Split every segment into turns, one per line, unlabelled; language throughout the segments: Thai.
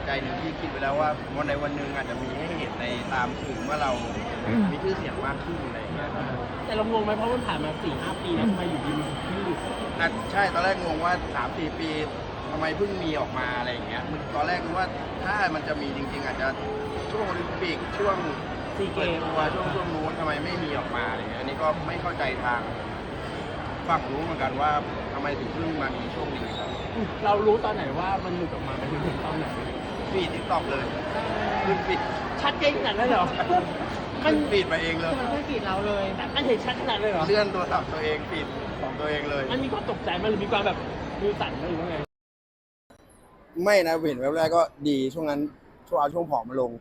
ใจหนึ่งที่คิดไปแล้วว่าวันใดวันหนึ่งอาจจะมีให้เห็นในตามสื่อเมื่อเรามีชื่อเสียงมากขึ้นอะไรอย่างเงี้ยครับ
แต่เรางงไหมเพราะมันผ่านมา 4-5 ปีแล้วทำไมอยู่ดีมันถึงหยุด
ใช่ตอนแรกงงว่า 3-4 ปีทำไมเพิ่งมีออกมาอะไรอย่างเงี้ยตอนแรกนึกว่าถ้ามันจะมีจริงๆอาจจะช่วงโอลิมปิกช่วง
ซีเก
เปิด
ม
ตัวช่วงนู้นทำไมไม่มีออกมาอะไรเงี้ยอันนี้ก็ไม่เข้าใจทางฝั่งรู้เหมือนกันว่าทำไมถึงเพิ่งมามีช่วงนี้ครับ
เรารู้ตอนไหนว่ามันหลุดออกมาไปถึงตอนไหน
ฟีดทิกตอกเลยขึ้นฟีด
ชัดเจนขนาดนั้นเหรอ
ขึ้นฟีดมาเองเลย
มันไม่ผิดเราเลยมันเห็นชัดขนาดเลยเหรอ
เลื่อนโทรศัพท์ตัวเองฟีดของตัวเองเลย
มันมีความตกใจมันหรือมีความแบบมือสั่นหรือว่าไง
ไม่นะเห็นแวบแรกก็ดีช่วงนั้นช่วงผอมมาลง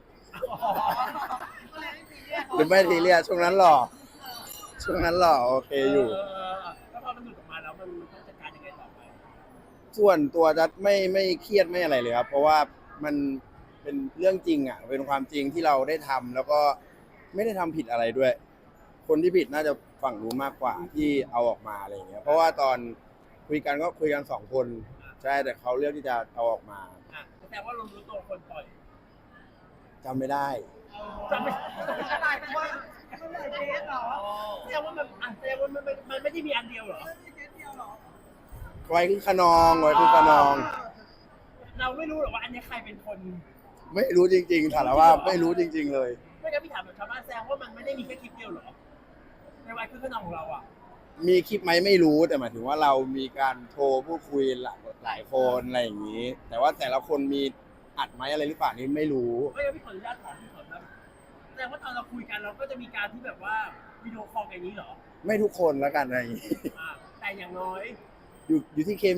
หรือไม่ทีเรียสช่วงนั้นหล่อโอเคอยู่
แล้วพอมันหลุดออกมาแล้วมันต้องจัดการยังไงต่อไป
ส่วนตัวจะไม่เครียดไม่อะไรเลยครับ เพราะว่ามันเป็นเรื่องจริงอ่ะเป็นความจริงที่เราได้ทำแล้วก็ไม่ได้ทำผิดอะไรด้วย คนที่ผิดน่าจะฝั่งรู้มากกว่าที่เอาออกมาอะไรอย่างเงี้ยเพราะว่าตอนคุยกันก็คุยกัน2 คนใช่แต่เขาเลือกที่จะเอาออกมา
แสดงว่าเรารู้ตัวคนปล่อย
จำไม่ได้
จำไม่ได้เพราะว่ามันหลายเคสเหรอแสดงว่ามันไม่ได้มีอันเดียวเหรอ
ไว้คือขนองไว้คือขนอง
เราไม่รู้หรอกว่าอันนี้ใครเป็นคน
ไม่รู้จริงๆถามว่าไม่รู้จริง ๆ เลย
ไม่งั้นพี่ถามแบบชาวบ้านแซงว่ามันไม่ได้มีแค่คลิปเดียวเหรอในวัยคือขนองของเราอ่ะ
มีคลิปไหมไม่รู้แต่หมายถึงว่าเรามีการโทรพูดคุยหลายคนอะไรอย่างนี้ แต่ว่าแต่ละคนมีอัดไหมอะไรหรือเปล่านี่ไม่รู้
ไม่งั้นพี่ขออนุญาตถามพี่ขอนะแสดงว่าตอนเราคุยกันเราก็จะมีการที่แบบว่าวิดีโอคอลอย่างนี้เหรอ
ไม่ทุกคนแล้วกันอะไรอย่างนี้
แต่อย่างน้อย
อยู่ที่เคมี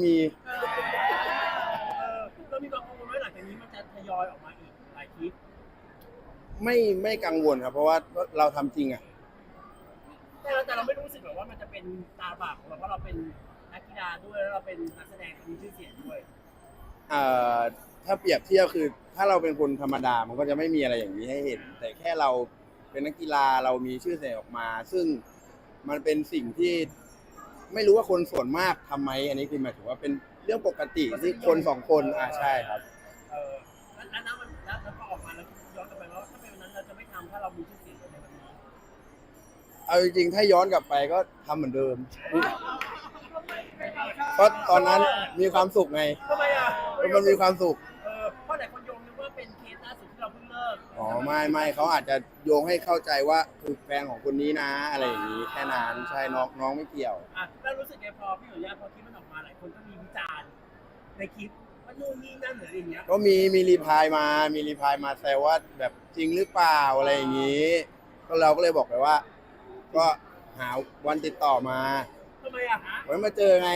เรามีความกังวลว่าหลังจากนี้มันจะทยอยออกมาอีกหลายคลิป
ไม่กังวลครับเพราะว่าเราทำจริงอ่ะ
แต่เราไม่รู้สึกแบบว่ามันจะเป็นตาบาปของเราเพราะเราเป็นนักกีฬาด้วยแล้วเราเป็นนักแสดงมีชื่อเสียงด้วย
ถ้าเปรียบเทียบคือถ้าเราเป็นคนธรรมดามันก็จะไม่มีอะไรอย่างนี้ให้เห็น แต่แค่เราเป็นนักกีฬาเรามีชื่อเสียงออกมา ซึ่งมันเป็นสิ่งที่ไม่รู้ว่าคนส่วนมากทำไหมอันนี้คือหมายถึงว่าเป็นเรื่องปกติที่คน2 คนใช่ครับ
แล้วมันแล้วก็ออกมาแล้วย้อนกลับไปว่าถ้าเป็นวันนั้นเราจะไม่ทำถ้าเรามีชื่อเสียงในวันนี้
เอาจริงๆถ้าย้อนกลับไปก็ทำเหมือนเดิมเพราะตอนนั้นมีความสุขไง
ทำไมอ่ะ
มันมีความสุข
เพราะหลายคนโยงนึกว่าเป็นเคสล่าสุดที่เราเพิ่งเลิก
อ๋อไม่เขาอาจจะโยงให้เข้าใจว่าคือแฟนของคนนี้นะอะไรอย่างนี้แค่นั้นใช่น้องไม่เกี่ยว
แล้วรู้สึกไงพอพี่หนุ่ยพอคลิปมันออกมาหลายคนก็มีวิจารณ์ในคลิปว่านู่นนี่นั่นหรืออะไรอย่างเงี้ย
ก็มีรีพลายมาแซวว่าแบบจริงหรือเปล่าอะไรอย่างนี้ก็เราก็เลยบอกไปว่า ก็หาวันติดต่อมา
ทำไมอ่ะ
ไว้มาเจอไง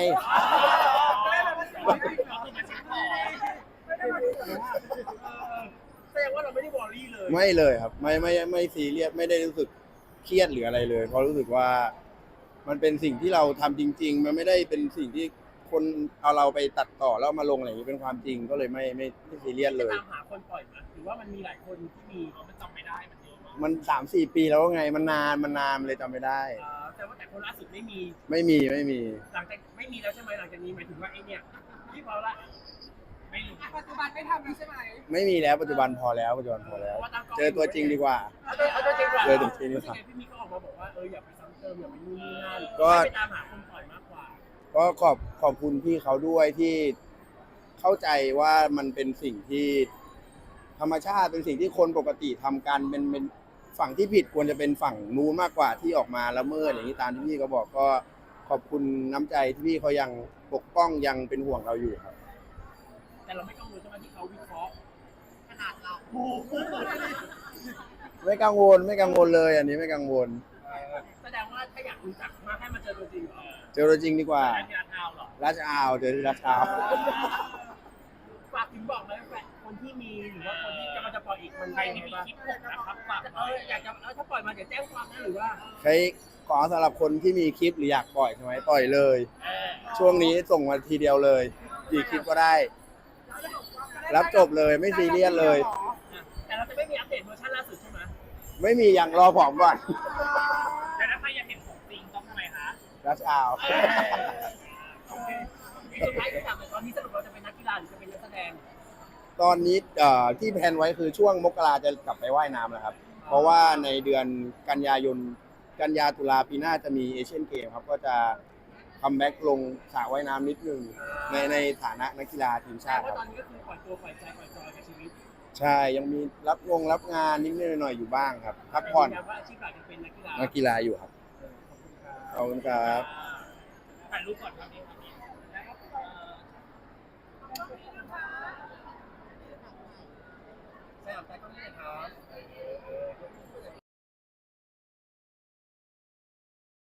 แสดงว่าเราไม่ได้วอรี่เลย
ไม่เลยครับไม่ซีเรียสไม่ได้รู้สึกเครียดหรืออะไรเลยเพราะรู้สึกว่ามันเป็นสิ่งที่เราทำจริง ๆ มันไม่ได้เป็นสิ่งที่คนเอาเราไปตัดต่อแล้วมาลงอะไรอย่างนี้เป็นความจริงก็เลยไม่ซีเรียสเลย
ตามหาคนปล่อยมาหรือว่ามันมีหลายคนที่มีมันจำไม่ได้มันเยอะมาก
มัน3-4 ปีแล้วไงมันนานเลยจำไม่ได้
แต่คนล่าสุดไม่มี
ไม่มี
หลังจากไม่มีแล้วใช่ไหมหลังจากนี้หมายถึงว่าไอ้เนี่ยที่พอละไม่รู้
ปัจจุบันไม่ทำแล้วใช่ไหม
ไม่มีแล้วปัจจุบันพอแล้วเจอตัวจริงดีกว่า
เอาตัวจริงกว่า
เจอตัวจริงดีกว่า
พี่มีก็ออกมาบอกว่าอย่าไปซ้ำเติมอย่าไปนู่นนี่นั่น
ก็
ให้ไปตามหาคนปล่อยมากกว่า
ก็ขอบคุณพี่เขาด้วยที่เข้าใจว่ามันเป็นสิ่งที่ธรรมชาติเป็นสิ่งที่คนปกติทำกันเป็นฝั่งที่ผิดควรจะเป็นฝั่งนู้นมากกว่าที่ออกมาละเมิดอย่างนี้ตามที่พี่เขาบอกก็ขอบคุณน้ำใจที่พี่เขายังปกป้องยังเป็นห่วงเราอยู่ครับ
แต่เราไม่กังวลใช่ไหมที่เขาวิเคราะห์ขนาดเรา
ไม่กังวลเลยอันนี้ไม่กังวล
แสดงว่าถ้าอยากรู้จักมาให้มาเจอตัวจริงเหรอ
เจอตัวจริงดีกว่า
ที่ราคาเหรอ
ราชอาวเจอที่ราชอาว
ฝากถึงบอกไหมแฟนคนที่มีหรือว่าคนที่กำลังจะปล่อยอีกมันใครที่มีคลิปหกนะครับฝากอยากจะถ้าปล่อยมาจะแจ้งความนะหรือว่า
ใครขอสำหรับคนที่มีคลิปหรืออยากปล่อยใช่ไหมปล่อยเลย ช่วงนี้ส่งมาทีเดียวเลยกี่คลิปก็ได้ รับจบเลยไม่ซีเรียสเลย
แต่เราจะไม่มีอัปเดตเวอร์ชันล่าสุดใช่ไหม
ไม่มีอย่างรอผอมก่อน
แต่ถ้าใครอยากเห็นของจริงต้องทำไมคะ
รัชอาว
โอเคสุดท้ายที่ถามตอนนี้สรุปเราจะเป็นนักกีฬาหรือจะเป็นนักแสดง
ตอนนี้ที่แพลนไว้คือช่วงมกราจะกลับไปว่ายน้ำแล้วครับ เพราะว่าในเดือนกันยาตุลาปีหน้าจะมีเอเชียนเกมครับก็จะคัมแบ็กลงสระว่ายน้ำนิดนึงในฐานะนักกีฬาทีม
แต่
ชาติค
ว่า
รับ
ตอนนี้ก็คือปล่อยตัวปล่อยใจปล่อยจอยกับชีวิต
ใช่ยังมีรับงานนิดหน่อยอยู่บ้างครับพักผ่อน
แต่ยืยัว่าอาชีพหลักจะเป็นนักกีฬา
นักกีฬาอยู่ครับ
ขอบคุณครับ
ขอบคุณครับ
ถ่ายรูปก่อนครับนี่